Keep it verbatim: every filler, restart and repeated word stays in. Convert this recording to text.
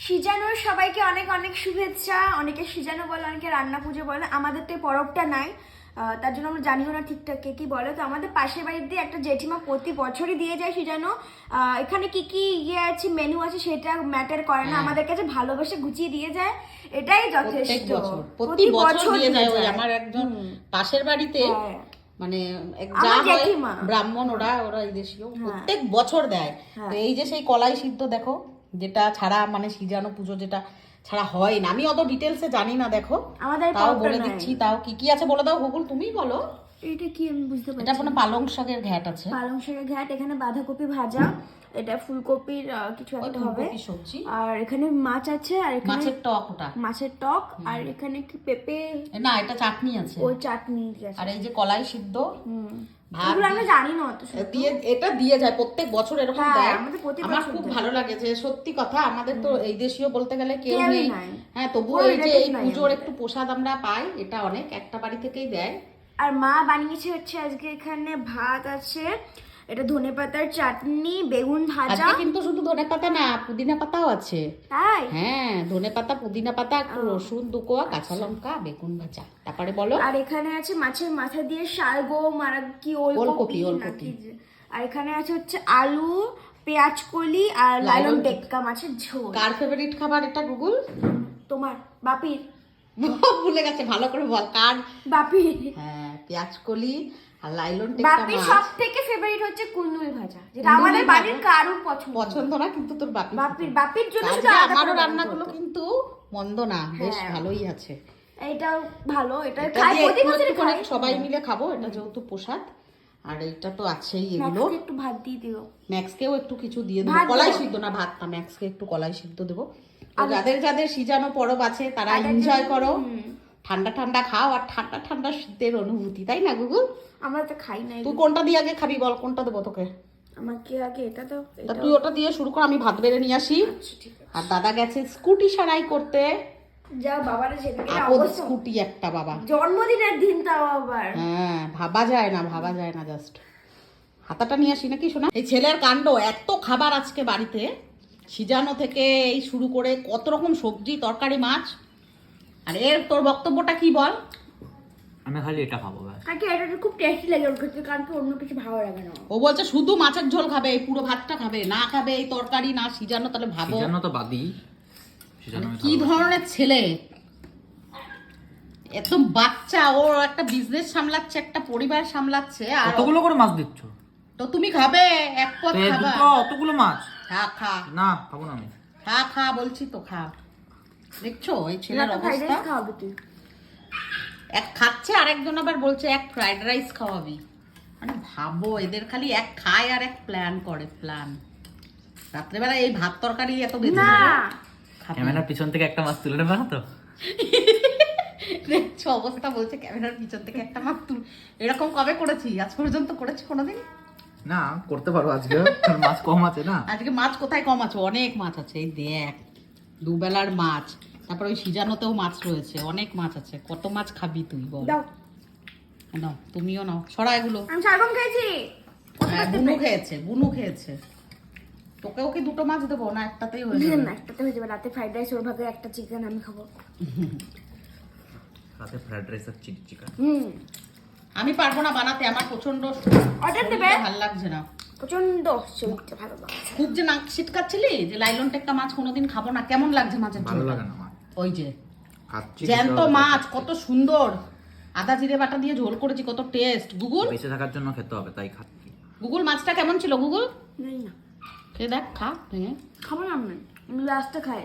সিজানোর সবাইকে অনেক অনেক শুভেচ্ছা। অনেকে সিজানো বলে, অনেকে রান্না পুজো বলে। আমাদের তো এই পরবটা নাই, তার জন্য আমরা জানিও না ঠিকঠাক কে কি বলে। তো আমাদের পাশের বাড়ির দিয়ে একটা জেঠিমা প্রতি বছরই দিয়ে যায় সিজানো। এখানে কি কি ইয়ে আছে, মেনু আছে, সেটা ম্যাটার করে না, আমাদের কাছে ভালোবেসে গুছিয়ে দিয়ে যায়, এটাই যথেষ্ট। প্রতি বছর দিয়ে যায়। ওই আমার একজন পাশের বাড়িতে মানে যা হয় ব্রাহ্মণ, ওরা ওরা এই দেশীয় প্রত্যেক বছর দেয়। তো এই যে সেই কলাই সিদ্ধ দেখো, যেটা ছাড়া মানে সিজানো পুজো যেটা ছাড়া হয় না, আমি অত ডিটেলসে জানি না, দেখো তাও বলে দিচ্ছি। তাও কি কি আছে বলে দাও গুগল, তুমি বলো। এটা কি আমি বুঝতে পারছি। এটা কোনো পালং শাকের ঘ্যাট আছে, পালং শাকের ঘ্যাট, এখানে বাঁধাকপি ভাজা, এটা ফুলকপির কিছু একটা হবে সবজি, আর এখানে মাছ আছে, আর এখানে মাছের টক, ওটা মাছের টক, আর এখানে কি পেঁপে না, এটা চাটনি আছে, ওই চাটনি আছে, আর এই যে কলাই সিদ্ধ। হুম, এগুলো আমরা জানি না অত দিয়ে, এটা দিয়ে যায় প্রত্যেক বছর এরকম দেয়। আমার খুব ভালো লাগে যে সত্যি কথা, আমাদের তো এই দেশীয় বলতে গেলে কেউ নেই, হ্যাঁ, তবুও এই যে এই পুজোর একটু প্রসাদ আমরা পাই, এটা অনেক, একটা বাড়ি থেকেই দেয়। আর মা বানিয়েছে হচ্ছে আজকে এখানে ভাত আছে, এটা ধনেপাতার চাটনি, বেগুন ভাজা। আজকে কিন্তু শুধু ধনেপাতা না, পুদিনা পাতাও আছে। তাই? হ্যাঁ, ধনেপাতা, পুদিনা পাতা, একটু রসুন, দুকোয়া, কাঁচা লঙ্কা, বেগুন ভাজা। তারপরে বলো। আর এখানে আছে মাছের মাথা দিয়ে শালগম, আর কি ওলকপি নাকি, আর এখানে আছে হচ্ছে আলু, পেঁয়াজ কলি, আর লালন টেক্কা মাছের ঝোল। কার ফেভারিট খাবার এটা গুগল? তোমার বাপির। ভুলে গেছে, ভালো করে বল। কার? বাপির। হ্যাঁ, পেঁয়াজ কলি আর লাইলন টেক্কা মাছ। বাপির সবথেকে ফেভারিট হচ্ছে কুলনুই ভাজা, যেটা আমাদের বাড়ির কারোর পছন্দ পছন্দ না, কিন্তু তোর বাপি বাপির বাপির জন্য শুধু আমারও রান্নাগুলো কিন্তু মন্দ না, বেশ ভালোই আছে। এইটাও ভালো, এটা খাই প্রতি বছর খাই, সবাই মিলে খাবো, এটা যেহেতু প্রসাদ। আর এইটা তো আছেই, এগুলো একটু ভাত দিয়ে দিও, ম্যাক্সকেও একটু কিছু দিয়ে দেবো, কলাই সিদ্ধ না, ভাত না, ম্যাক্সকে একটু কলাই সিদ্ধ দেবো। যাদের যাদের সিজানো পরব আছে তারা এনজয় করো, ঠান্ডা ঠান্ডা খাও, আর ঠান্ডা ঠান্ডা শীতের অনুভূতি, তাই না গুগল? আমরা তো খাই না। তুই কোনটা দিয়ে আগে খাবি বল, কোনটা দেবো তোকে? আমাকে আগে এটা দাও। তুই ওটা দিয়ে শুরু কর, আমি ভাত বেড়ে নিয়ে আসি। আর দাদা গেছে স্কুটি সারাই করতে। যা বাবারে যেদিকে অবস্থা, স্কুটি একটা বাবা, জন্মদিনের দিন তাও আবার। হ্যাঁ, ভাবা যায় না, ভাবা যায় না। জাস্ট হাতাটা নিয়ে আসি নাকি শোনা। এই ছেলের কাণ্ড, এত খাবার আজকে বাড়িতে, সিজানো থেকে এই শুরু করে কত রকম সবজি, তরকারি, মাছ। আর এর তোর বক্তব্যটা কি বল? আমি খালি এটা খাবো ব্যাস। আজকে এটা খুব টেস্টি লাগে ওর কাছে, কারণ অন্য কিছু ভালো লাগে না। ও বলছে শুধু মাছের ঝোল খাবে, এই পুরো ভাতটা খাবে না, খাবে এই তরকারি না সিজানো। তাহলে ভাবো, সিজানো তো বাদই, সিজানো কি ধরনের ছেলে। এত বাচ্চা, ও একটা বিজনেস সামলাচ্ছে, একটা পরিবার সামলাচ্ছে, আর কতগুলো করে মাছ দিচ্ছ? তো তুমি খাবে এক পদ খাবা? অতগুলো মাছ? খা খা না, খাবো না আমি। খা খা বলছি তো, খা। দেখছো এই ছেলের অবস্থা। খাওয়াবি তুই? এক খাচ্ছে, আরেকজন আবার বলছে এক ফ্রাইড রাইস খাওয়াবি। মানে ভাবো, এদের খালি এক খায় আর এক প্ল্যান করে, প্ল্যান। রাত্রেবেলা এই ভাত তরকারি এত বেঁধে না, ক্যামেরার পিছন থেকে একটা মাছ তুলে নেবা তো। দেখছো অবস্থা, বলছে ক্যামেরার পিছন থেকে একটা মাছ তুল। এরকম কবে করেছি? আজ পর্যন্ত করেছি কোনোদিন? না, করতে পারো আজকে, মাছ কম আছে না। আজকে মাছ কোথায় কম আছে? অনেক মাছ আছে, এই দেখ, দুবেলার মাছ, তারপর ওই সিজানোতেও মাছ রয়েছে, অনেক মাছ আছে। কত মাছ খাবি তুই বল? দাও নাও, তুমিও নাও, সরা এগুলো। আমি শালগম খেয়েছি। হ্যাঁ, বুনু খেয়েছে, বুনু খেয়েছে। তোকেও কি দুটো মাছ দেবো না একটাতেই হয়ে যাবে? না, একটাতে হয়ে যাবে। রাতে ফ্রাইড রাইস, ওর ভাগে একটা চিকেন আমি খাবো। রাতে ফ্রাইড রাইস আর চিলি চিকেন। হুম, আমি পারবো না বানাতে, আমার প্রচন্ড অর্ডার দেবে, ভালো লাগছে না, প্রচন্ড শরীরটা ভালো লাগছে। খুব যে নাক ছিটকাচ্ছিলি যে লাইলন টেক্কা মাছ কোনোদিন খাবো না, কেমন লাগছে মাছের ঝোল? ভালো লাগে না আমার। ওই যে খাচ্ছি জ্যান্ত মাছ, কত সুন্দর আদা জিরে বাটা দিয়ে ঝোল করেছি, কত টেস্ট। গুগল, বেঁচে থাকার জন্য খেতে হবে, তাই খাচ্ছি। গুগল মাছটা কেমন ছিল? গুগল নেই না, খেয়ে দেখ, খা। হ্যাঁ, খাবো না আমি, লাস্টে খাই।